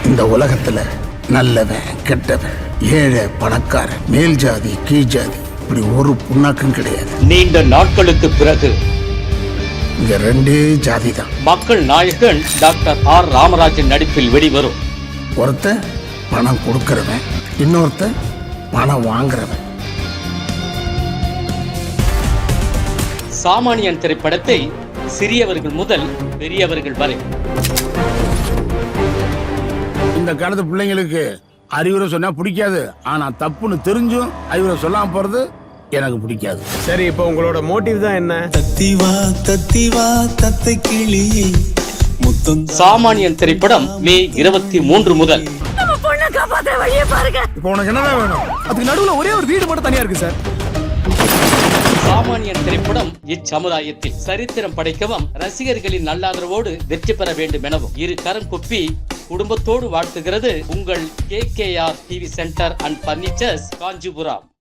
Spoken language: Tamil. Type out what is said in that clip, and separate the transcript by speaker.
Speaker 1: இந்த உலகத்துல நல்லவன் கெட்டவன், ஏழை பணக்காரன், மேல் ஜாதி கீழ் ஜாதி, இப்படி ஒரு புண்ணாக்கும் கிடையாது.
Speaker 2: நீண்ட நாட்களுக்கு பிறகு
Speaker 1: இங்க ரெண்டே ஜாதி தான்.
Speaker 2: மக்கள் நாயகன் டாக்டர் ஆர் ராமராஜன் நடிப்பில் வெளிவரும்
Speaker 1: ஒருத்தன் பணம் கொடுக்கறவன், இன்னொருத்தன் பணம் வாங்குறவன்.
Speaker 2: சாமானியன் திரைப்படத்தை சிறியவர்கள் முதல் பெரியவர்கள் வரை
Speaker 1: இந்த காலத்து பிள்ளைங்களுக்கு அறிவுரை சொன்னா பிடிக்காது, ஆனா தப்புன்னு தெரிஞ்சும் அறிவுரை சொல்லாம போறது எனக்கு பிடிக்காது.
Speaker 3: சரி, இப்போ உங்களோட மோட்டிவ் தான் என்ன?
Speaker 4: தத்திவா தத்தை கிளியே முத்தம்.
Speaker 2: சாமானியன் திரைப்படம் மே 23 முதல்.
Speaker 3: இப்போ உனக்கு என்னதான் வேணும்? அதுக்கு நடுவுல ஒரே ஒரு வீடு மட்டும் தனியா இருக்கு சார்.
Speaker 2: சாமானியன் திரைப்படம் இச்சமுதாயத்தில் சரித்திரம் படைக்கவும் ரசிகர்களின் நல்லாதரவோடு வெற்றி பெற வேண்டும் எனவும் இரு கரம் கொப்பி குடும்பத்தோடு வாழ்த்துகிறது உங்கள் KKR TV centre and furnitures, Kanchipuram.